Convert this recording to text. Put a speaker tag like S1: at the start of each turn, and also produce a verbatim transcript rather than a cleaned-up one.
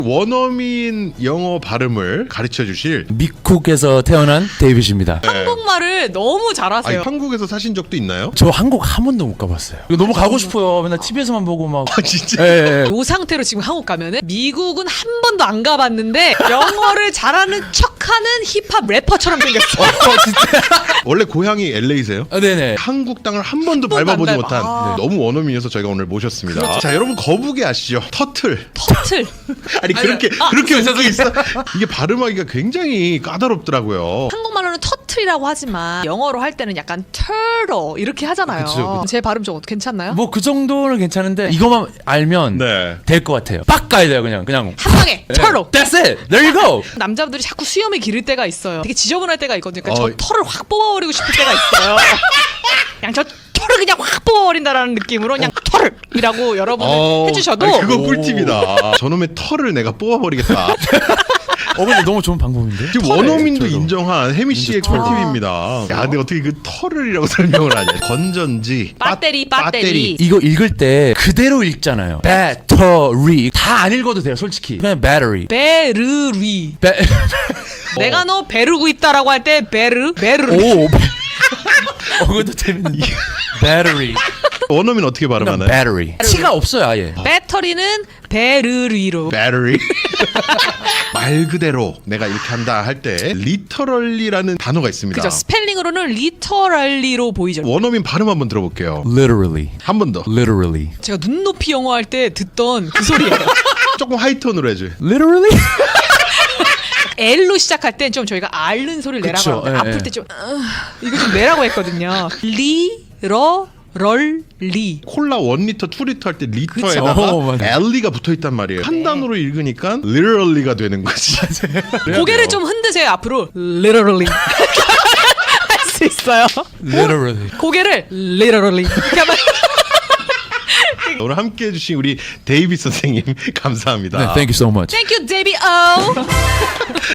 S1: 원어민 영어 발음을 가르쳐 주실
S2: 미국에서 태어난 데이빗입니다.
S3: 한국말을 너무 잘하세요.
S1: 아니, 한국에서 사신 적도 있나요?
S2: 저 한국 한 번도 못 가봤어요. 이거 너무 가고 싶어요. 맨날 티비에서만 보고 막.
S1: 아 진짜?
S2: 예, 예.
S3: 이 상태로 지금 한국 가면은 미국은 한 번도 안 가봤는데 영어를 잘하는 척하는 힙합 래퍼처럼 생겼어.
S2: 어, 진짜.
S1: 원래 고향이 엘에이세요?
S2: 아, 네네.
S1: 한국 땅을 한 번도
S3: 번도
S1: 밟아보지
S3: 안
S1: 못한
S3: 밟아.
S1: 네, 너무 원어민이어서 저희가 오늘 모셨습니다. 자 여러분 거북이 아시죠? 터틀.
S3: 터틀.
S1: 아니 그렇게 그렇게 웃기 있어? 이게 발음하기가 굉장히 까다롭더라고요.
S3: 한국말로는 터틀이라고 하지만 영어로 할 때는 약간 turtle 이렇게 하잖아요.
S2: 그쵸, 그쵸.
S3: 제 발음 좀 괜찮나요?
S2: 뭐 그 정도는 괜찮은데 이거만 알면
S1: 네.
S2: 될 것 같아요. 빡 가야 돼요, 그냥. 그냥.
S3: 한 방에
S2: 네.
S3: turtle.
S2: That's it. There you go.
S3: 남자분들이 자꾸 수염을 기를 때가 있어요. 되게 지저분할 때가 있거든요. 그러니까
S1: 어.
S3: 저 털을 확 뽑아버리고 싶을 때가 있어요. 그냥 저 털을 그냥 확 뽑아버린다라는 느낌으로 그냥 털이라고 여러분은
S1: 어,
S3: 해주셔도
S1: 아니, 그거
S2: 오.
S1: 꿀팁이다. 저놈의 털을 내가 뽑아버리겠다.
S2: 어, 근데 너무 좋은 방법인데?
S1: 지금
S2: 털을,
S1: 원어민도
S2: 저도.
S1: 인정한 혜미 씨의
S2: 인정, 털.
S1: 꿀팁입니다. 야, 근데 어떻게 그 털을이라고 설명을 하냐? 건전지,
S3: 배터리,
S1: 빠-
S3: 배터리.
S2: 이거 읽을 때 그대로 읽잖아요. battery. 다 안 읽어도 돼요, 솔직히. 그냥 battery.
S3: 베르리.
S2: 배...
S3: 내가 너 베르고 있다라고 할 때 베르 베르.
S2: 오. 어, 그것도 재밌는. battery.
S1: 원어민 어떻게
S2: 그냥
S1: 발음하나요?
S2: battery. 치가 없어요, 아예.
S3: 배터리는 베르리로.
S1: battery. 말 그대로 내가 이렇게 한다 할 때 literally라는 단어가 있습니다.
S3: 그죠? 스펠링으로는 리터럴리로 보이죠.
S1: 원어민 발음 한번 들어볼게요.
S2: literally.
S1: 한 번 더.
S2: literally.
S3: 제가 눈높이 영어 할 때 듣던 그 소리예요.
S1: 조금 하이톤으로 해줘.
S2: literally?
S3: L로 시작할 땐 좀 저희가 앓는 소리를 내라고
S2: 그쵸,
S3: 하는데
S2: 예,
S3: 아플
S2: 예.
S3: 때 좀 이거 좀 내라고 했거든요. 리러 럴리.
S1: 콜라 일 리터, 이 리터 할 때
S2: 그쵸.
S1: 리터에다가
S2: 어, 맞아.
S1: 엘리가 붙어 있단 말이에요. 한 단어로 읽으니까 literally가 되는 거지.
S3: 고개를 좀 흔드세요 앞으로. Literally 할 수 있어요.
S2: literally.
S3: 고개를 literally 이렇게 하면
S1: 오늘 함께 해주신 우리 데이빗 선생님 감사합니다.
S2: 네, thank you so much.
S3: Thank you, Debbie O.